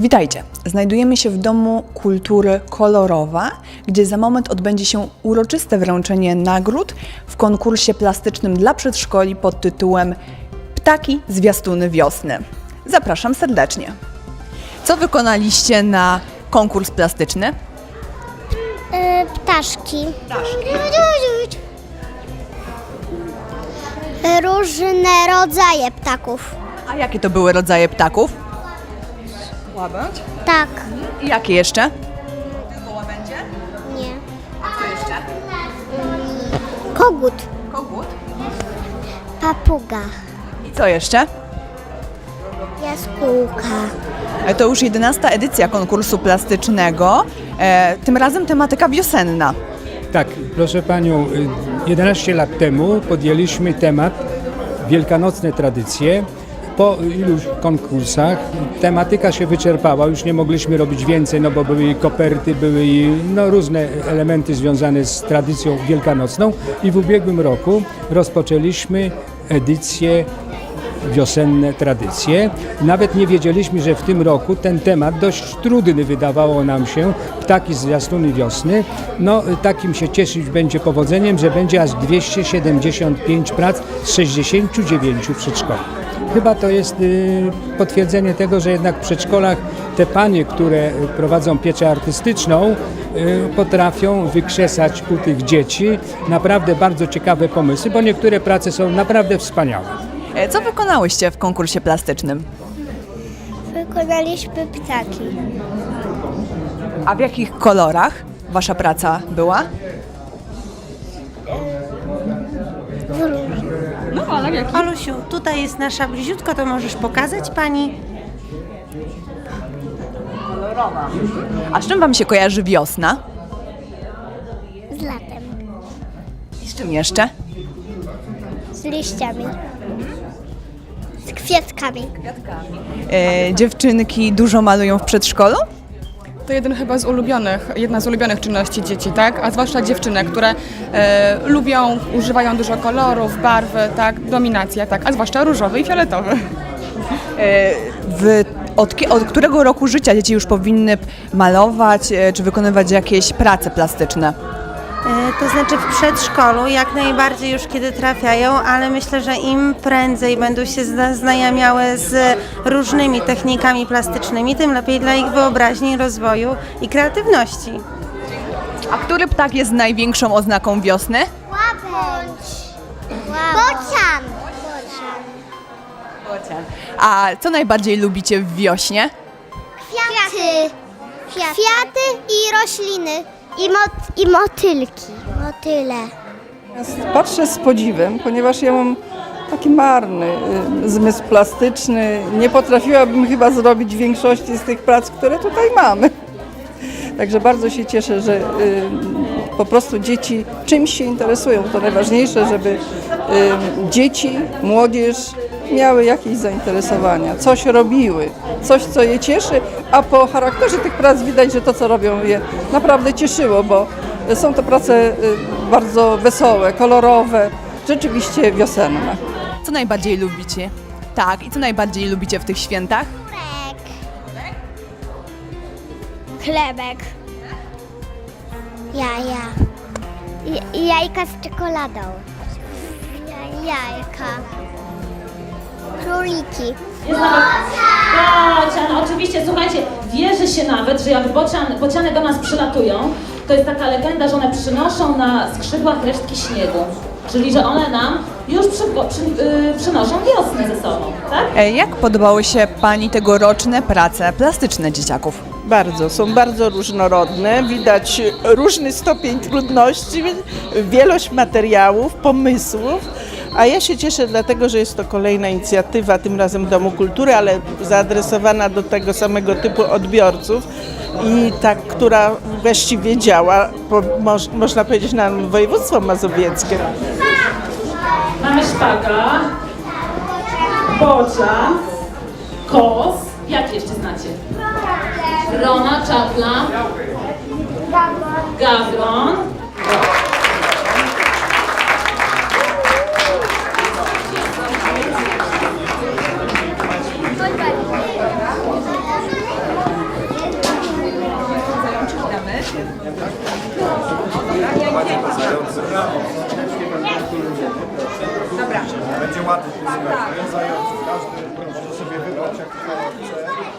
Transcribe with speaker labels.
Speaker 1: Witajcie! Znajdujemy się w Domu Kultury Kolorowa, gdzie za moment odbędzie się uroczyste wręczenie nagród w konkursie plastycznym dla przedszkoli pod tytułem Ptaki zwiastuny wiosny. Zapraszam serdecznie. Co wykonaliście na konkurs plastyczny?
Speaker 2: Ptaszki. Różne rodzaje ptaków.
Speaker 1: A jakie to były rodzaje ptaków? Łabędź.
Speaker 2: Tak.
Speaker 1: I jakie jeszcze? Tylko łabędzie?
Speaker 2: Nie.
Speaker 1: A co jeszcze?
Speaker 2: Kogut.
Speaker 1: Kogut.
Speaker 2: Papuga.
Speaker 1: I co jeszcze?
Speaker 2: Jaskółka.
Speaker 1: To już 11. edycja konkursu plastycznego, tym razem tematyka wiosenna.
Speaker 3: Tak, proszę Panią, 11 lat temu podjęliśmy temat wielkanocne tradycje. Po iluś konkursach tematyka się wyczerpała, już nie mogliśmy robić więcej, no bo były i koperty, były i różne elementy związane z tradycją wielkanocną i w ubiegłym roku rozpoczęliśmy edycję wiosenne tradycje. Nawet nie wiedzieliśmy, że w tym roku ten temat dość trudny wydawało nam się, ptaki zwiastuny wiosny. No takim się cieszyć będzie powodzeniem, że będzie aż 275 prac z 69 przedszkoli. Chyba to jest potwierdzenie tego, że jednak w przedszkolach te panie, które prowadzą pieczę artystyczną, potrafią wykrzesać u tych dzieci naprawdę bardzo ciekawe pomysły, bo niektóre prace są naprawdę wspaniałe.
Speaker 1: Co wykonałyście w konkursie plastycznym?
Speaker 2: Wykonaliśmy ptaki.
Speaker 1: A w jakich kolorach wasza praca była?
Speaker 4: Olusiu, tutaj jest nasza bliziutko, to możesz pokazać pani?
Speaker 1: A z czym wam się kojarzy wiosna?
Speaker 2: Z latem.
Speaker 1: I z czym jeszcze?
Speaker 2: Z liściami. Z kwiatkami.
Speaker 1: Dziewczynki dużo malują w przedszkolu?
Speaker 5: To jedna z ulubionych czynności dzieci, tak? A zwłaszcza dziewczynek, które lubią, używają dużo kolorów, barwy, tak? Dominacja, tak? A zwłaszcza różowy i fioletowy.
Speaker 1: Od którego roku życia dzieci już powinny malować czy wykonywać jakieś prace plastyczne?
Speaker 4: To znaczy w przedszkolu jak najbardziej już kiedy trafiają, ale myślę, że im prędzej będą się zaznajamiały z różnymi technikami plastycznymi, tym lepiej dla ich wyobraźni, rozwoju i kreatywności.
Speaker 1: A który ptak jest największą oznaką wiosny?
Speaker 2: Łabędź. Bocian.
Speaker 1: A co najbardziej lubicie w wiośnie?
Speaker 2: Kwiaty. Kwiaty i rośliny. I motylki. Motyle.
Speaker 6: Patrzę z podziwem, ponieważ ja mam taki marny zmysł plastyczny. Nie potrafiłabym chyba zrobić większości z tych prac, które tutaj mamy. Także bardzo się cieszę, że po prostu dzieci czymś się interesują. To najważniejsze, żeby dzieci, młodzież miały jakieś zainteresowania, coś robiły, coś co je cieszy, a po charakterze tych prac widać, że to co robią je naprawdę cieszyło, bo są to prace bardzo wesołe, kolorowe, rzeczywiście wiosenne.
Speaker 1: Co najbardziej lubicie? Tak, i co najbardziej lubicie w tych świętach?
Speaker 2: Chlebek. Jaja. Jajka z czekoladą. Jajka. Króliki.
Speaker 7: Bocian, oczywiście, słuchajcie, wierzy się nawet, że jak bociany do nas przylatują, to jest taka legenda, że one przynoszą na skrzydłach resztki śniegu. Czyli, że one nam już przynoszą wiosnę ze sobą, tak?
Speaker 1: Jak podobały się Pani tegoroczne prace plastyczne dzieciaków?
Speaker 8: Są bardzo różnorodne, widać różny stopień trudności, wielość materiałów, pomysłów, a ja się cieszę dlatego, że jest to kolejna inicjatywa, tym razem Domu Kultury, ale zaadresowana do tego samego typu odbiorców i ta, która właściwie działa, można powiedzieć, na województwo mazowieckie.
Speaker 7: Mamy szpaga, bocian, kos, jak jeszcze znacie? Wrona, czapla, gawron.
Speaker 9: Będzie ładnie. Zająców. Każdy może sobie wybrać, jaki kolor chce.